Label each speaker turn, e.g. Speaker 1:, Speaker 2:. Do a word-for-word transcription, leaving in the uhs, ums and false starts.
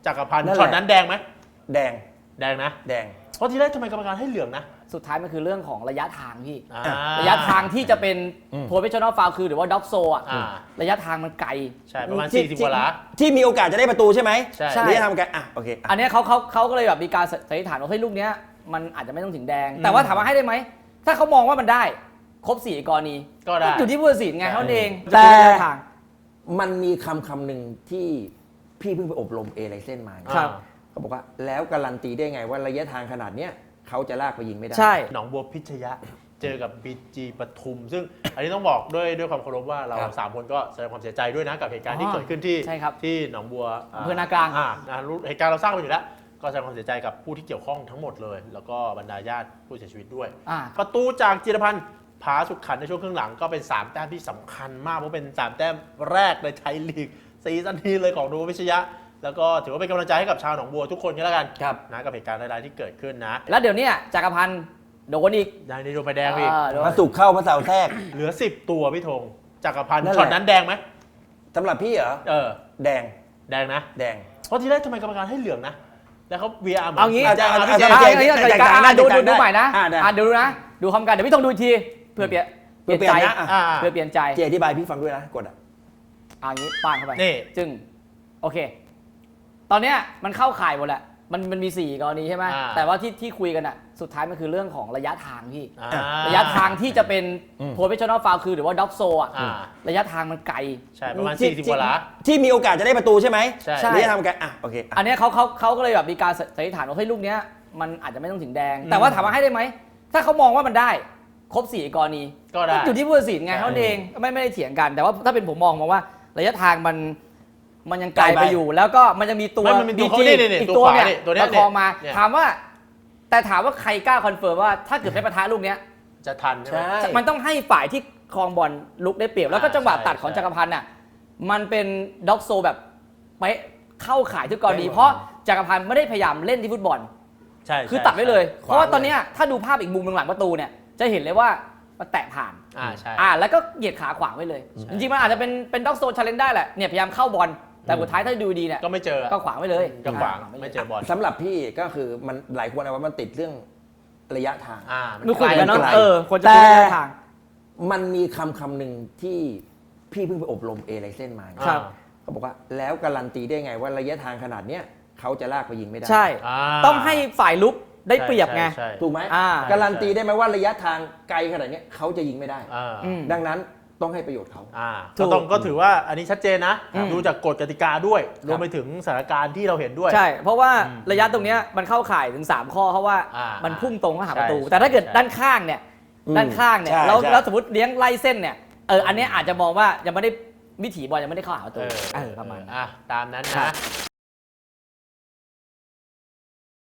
Speaker 1: จักรพันธ์ช็อตนั้นแดงไหม
Speaker 2: แดง
Speaker 1: แดงนะ
Speaker 2: แดง
Speaker 1: เพราะทีแรกทำไมกรรมการให้เหลืองนะ
Speaker 3: สุดท้ายมันคือเรื่องของระยะทางพี่
Speaker 1: ระ
Speaker 3: ยะทางที่จะเป็นโพสเฟชชั่นอลฟาวล์คือหรือว่าด็อกโซอ่ะระยะทางมันไกล
Speaker 1: ใช่ประมาณสี่สิบกว่าล้า
Speaker 2: ที่มีโอกาสจะได้ประตูใช่ไหม
Speaker 1: ใช่
Speaker 2: ระยะทางไกลอ่ะโอเค
Speaker 3: อันนี้เขาเขาเขาก็เลยแบบมีการสันนิษฐานว่าเฮ้ยลูกเนี้ยมันอาจจะไม่ต้องถึงแดงแต่ว่าถามว่าให้ได้ไหมถ้าเขามองว่ามันได้ครบสี่กรณี
Speaker 1: ก็ได้
Speaker 3: อยู่ที่ผู้ตัดสินไงเท่านั้นเอง
Speaker 2: แต่มันมีคำคำหนึ่งที่พี่เพิ่งไปอบรมเอไลเซนมาเขาบอกว่าแล้วการันตีได้ไงว่าระยะทางขนาดเนี้ยเขาจะลากไปยิงไม่ได้
Speaker 3: ใช่
Speaker 1: หนองบัวพิชยะเจอกับบีจีปทุมซึ่งอันนี้ต้องบอกด้วยด้วยความเคารพว่าเราสามคนก็แสดงความเสียใจด้วยนะกับเหตุการณ์ที่เกิดขึ้นที่ที่หนองบัว
Speaker 3: อำเภอนากลาง
Speaker 1: อ่าเหตุการณ์เราทราบกันอยู่แล้วก็แสดงความเสียใจกับผู้ที่เกี่ยวข้องทั้งหมดเลยแล้วก็บรรดาญาติผู้เสียชีวิตด้วยประตูจากจิรพันธ์ผาสุขขันในช่วงครึ่งหลังก็เป็นสามแต้มที่สำคัญมากเพราะเป็นสามแต้มแรกในไทยลีกซีซั่นนี้เลยของหนองบัวพิชยะแล้วก็ถือว่าเป็นกำลังใจให้กับชาวหนองบัวทุกคนกันแล้วกันนะกับเหตุการณ์ร้ายๆที่เกิดขึ้นนะ
Speaker 3: แล้วเดี๋ยวนี้จักรพันธ์โดนอีก
Speaker 1: ได้ในโดนใบแดงอีก
Speaker 2: มาสุกเข้ามาเสาแทรก
Speaker 1: เหลือสิบตัวพี่ธงจักรพันธ์ช็อตนั้นแดงไหม
Speaker 2: สำหรับพี่เหรอ
Speaker 1: เออ
Speaker 2: แดง
Speaker 1: แดงนะ
Speaker 2: แดง
Speaker 1: เพราะทีแรกทำไมกรรมการให้เหลืองนะแล้วเขา วี อาร์
Speaker 3: เอางี้
Speaker 1: จะ
Speaker 3: เอางี้ดูดูดูใหม่นะอ่าดูนะดูคำการเดี๋ยวพี่ธงดูอีกทีเพื่อเปลี่ยนเปลี่ยนใจเพื่อเปลี่ยนใจ
Speaker 2: เจอธิบายพี่ฟังด้วยนะกดอ่ะ
Speaker 3: อ่างี้ป้างเข้าไปจึงโอเคตอนเนี้ยมันเข้าข่ายหมดแหละมันมันมีสี่กรณีใช่ไหมแต่ว่าที่ที่คุยกันอ่ะสุดท้ายมันคือเรื่องของระยะทางพี่ระยะทางที่จะเป็นโพสเฟชชั่นอลฟาวล์คือหรือว่าด็อกโซอ่ะระยะทางมันไกล
Speaker 1: ใช่ประมาณสี่สิบกว่าล้า
Speaker 2: ที่มีโอกาสจะได้ประตูใช่ไหม
Speaker 3: ใช่
Speaker 2: ระยะทางไกลอ่ะโอเค
Speaker 3: อันนี้เขาเขาเขาก็เลยแบบมีการสันนิษฐานว่าเฮ้ยลูกเนี้ยมันอาจจะไม่ต้องถึงแดงแต่ว่าถามว่าให้ได้ไหมถ้าเขามองว่ามันได้ครบสี่กรณี
Speaker 1: ก็ได้
Speaker 3: อยู่ที่ผู้ตัดสินไงเท่านั้นเองไม่ไม่ได้เถียงกันแต่ว่าถ้าเป็นผมมองมาว่าระยะทางมันมันยังไกลไปอยู่แล้วก็มันจะมีตัว
Speaker 1: บีจี
Speaker 3: อีกตัวเนี่ยประคองมาถามว่าแต่ถามว่าใครกล้าคอนเฟิร์มว่าถ้าเกิดได้ปะทะลูกเนี้ย
Speaker 1: จะทันใช่ไหม
Speaker 3: มันต้องให้ฝ่ายที่ครองบอลลุกได้เปรียบแล้วก็จังหวะตัดของจักรพันธ์น่ะมันเป็นด็อกโซแบบไปเข้าข่ายทุกกรณีเพราะจักรพันธ์ไม่ได้พยายามเล่นที่ฟุตบอล
Speaker 1: ใช่
Speaker 3: คือตัดไว้เลยเพราะว่าตอนนี้ถ้าดูภาพอีกมุมหลังประตูเนี่ยจะเห็นเลยว่ามันแตะผ่าน
Speaker 1: อ่าใช่
Speaker 3: อ่าแล้วก็เหยียดขาขวางไว้เลยจริงๆมันอาจจะเป็นเป็นด็อกโซชาเลนจ์ได้แหละเนี่ยพยายามเข้าบอลแต่สุดท้ายถ้าดูดีเนี่ย
Speaker 1: ก็ไม่เจอ
Speaker 3: ก็ขวางไว้เลย
Speaker 1: ก็ขวางไม่เจอบอล
Speaker 2: สำหรับพี่ก็คือมันหลายคนเอาว่ามันติดเรื่องระยะทาง
Speaker 1: อ่า
Speaker 3: มันคุยกันเนาะเออคนจะระยะทาง
Speaker 2: มันมีคำคำหนึ่งที่พี่เพิ่งไปอบรมเอไลเซนมาเขาบอกว่าแล้วการันตีได้ไงว่าระยะทางขนาดเนี้ยเขาจะลากไปยิงไม่ได้
Speaker 3: ใช่ต้องให้ฝ่ายลุกได้เปรียบไง
Speaker 2: ถูกไหมการันตีได้ไหมว่าระยะทางไกลขนาดนี้เขาจะยิงไม่ได้ดังนั้นต้องให้ประโยชน์เขา
Speaker 1: ก็ต้องก็ถือว่าอันนี้ชัดเจนนะดูจากกฎกติกาด้วยรวมไปถึงสถานการณ์ที่เราเห็นด้วย
Speaker 3: ใช่เพราะว่าระยะตรงนี้มันเข้าข่ายถึงสามข้อเพราะว่ามันพุ่งตรงเข้าหาประตูแต่ถ้าเกิดด้านข้างเนี่ยด้านข้างเนี่ยแล้วแล้วสมมติเลี้ยงไล่เส้นเนี่ยเอออันนี้อาจจะมองว่ายังไม่ได้วิถีบอลยังไม่ได้เข้าหาประตูเออประมาณ
Speaker 1: ตามนั้นนะ